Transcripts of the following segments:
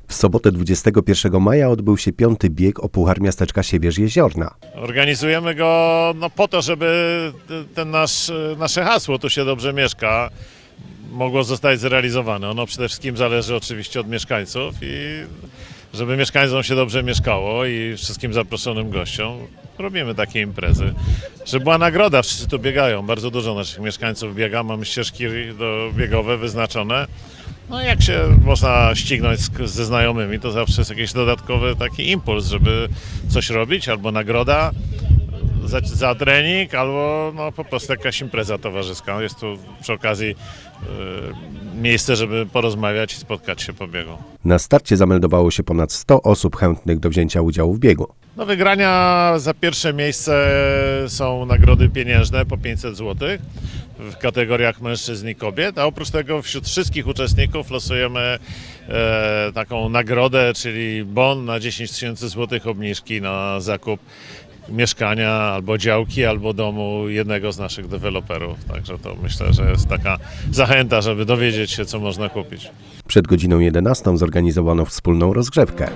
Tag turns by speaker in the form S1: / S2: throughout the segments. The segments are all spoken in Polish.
S1: W sobotę 21 maja odbył się 5. bieg o Puchar Miasteczka Siewierz-Jeziorna.
S2: Organizujemy go po to, żeby nasze hasło "tu się dobrze mieszka" mogło zostać zrealizowane. Ono przede wszystkim zależy oczywiście od mieszkańców i żeby mieszkańcom się dobrze mieszkało i wszystkim zaproszonym gościom robimy takie imprezy. Żeby była nagroda, wszyscy tu biegają, bardzo dużo naszych mieszkańców biega, mamy ścieżki biegowe wyznaczone. No jak się można ścignąć ze znajomymi, to zawsze jest jakiś dodatkowy taki impuls, żeby coś robić, albo nagroda za trening, albo po prostu jakaś impreza towarzyska. Jest tu przy okazji miejsce, żeby porozmawiać i spotkać się po biegu.
S1: Na starcie zameldowało się ponad 100 osób chętnych do wzięcia udziału w biegu.
S2: Do wygrania za pierwsze miejsce są nagrody pieniężne po 500 zł w kategoriach mężczyzn i kobiet, a oprócz tego wśród wszystkich uczestników losujemy taką nagrodę, czyli bon na 10 000 złotych obniżki na zakup mieszkania, albo działki, albo domu jednego z naszych deweloperów. Także to myślę, że jest taka zachęta, żeby dowiedzieć się, co można kupić.
S1: Przed godziną 11 zorganizowano wspólną rozgrzewkę.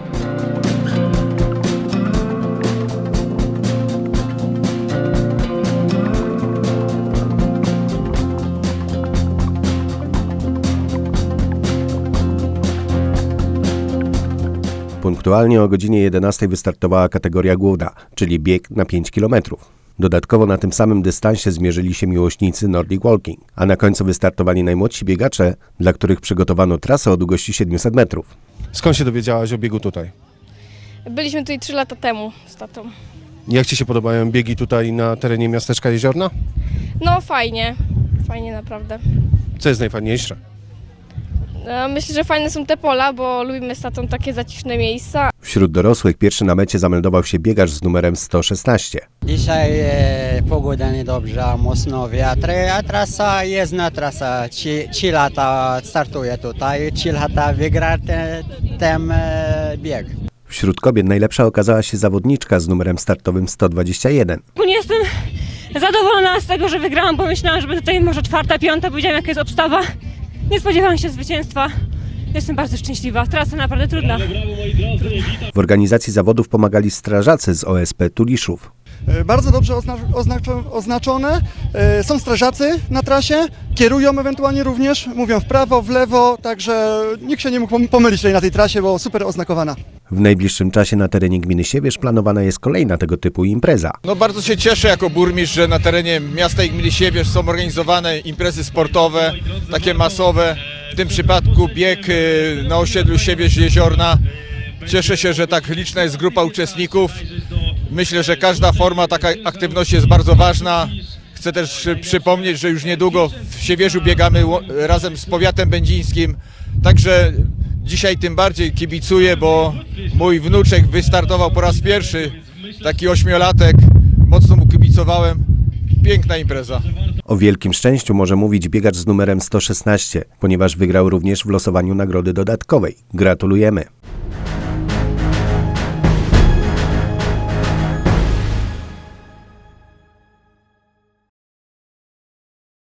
S1: Punktualnie o godzinie 11 wystartowała kategoria główna, czyli bieg na 5 km. Dodatkowo na tym samym dystansie zmierzyli się miłośnicy Nordic Walking, a na końcu wystartowali najmłodsi biegacze, dla których przygotowano trasę o długości 700 metrów.
S3: Skąd się dowiedziałaś o biegu tutaj?
S4: Byliśmy tutaj 3 lata temu z tatą.
S3: Jak Ci się podobają biegi tutaj na terenie miasteczka Jeziorna?
S4: No fajnie, fajnie naprawdę.
S3: Co jest najfajniejsze?
S4: Myślę, że fajne są te pola, bo lubimy z tatą takie zaciszne miejsca.
S1: Wśród dorosłych pierwszy na mecie zameldował się biegacz z numerem 116.
S5: Dzisiaj pogoda niedobrze, mocno wiatry, a trasa, jezdna trasa, 3 lata startuje tutaj, 3 lata wygra ten bieg.
S1: Wśród kobiet najlepsza okazała się zawodniczka z numerem startowym 121.
S6: Nie jestem zadowolona z tego, że wygrałam, bo myślałam, że będę tutaj może 4., 5., powiedziałam jaka jest obstawa. Nie spodziewałam się zwycięstwa. Jestem bardzo szczęśliwa. Trasa naprawdę trudna.
S1: W organizacji zawodów pomagali strażacy z OSP Tuliszów.
S7: Bardzo dobrze oznaczone, są strażacy na trasie, kierują ewentualnie również, mówią w prawo, w lewo, także nikt się nie mógł pomylić tutaj na tej trasie, bo super oznakowana.
S1: W najbliższym czasie na terenie gminy Siewierz planowana jest kolejna tego typu impreza.
S8: No bardzo się cieszę jako burmistrz, że na terenie miasta i gminy Siewierz są organizowane imprezy sportowe, takie masowe. W tym przypadku bieg na osiedlu Siewierz-Jeziorna. Cieszę się, że tak liczna jest grupa uczestników. Myślę, że każda forma takiej aktywności jest bardzo ważna. Chcę też przypomnieć, że już niedługo w Siewierzu biegamy razem z powiatem będzińskim. Także dzisiaj tym bardziej kibicuję, bo mój wnuczek wystartował po raz pierwszy, taki 8-latek. Mocno mu kibicowałem. Piękna impreza.
S1: O wielkim szczęściu może mówić biegacz z numerem 116, ponieważ wygrał również w losowaniu nagrody dodatkowej. Gratulujemy!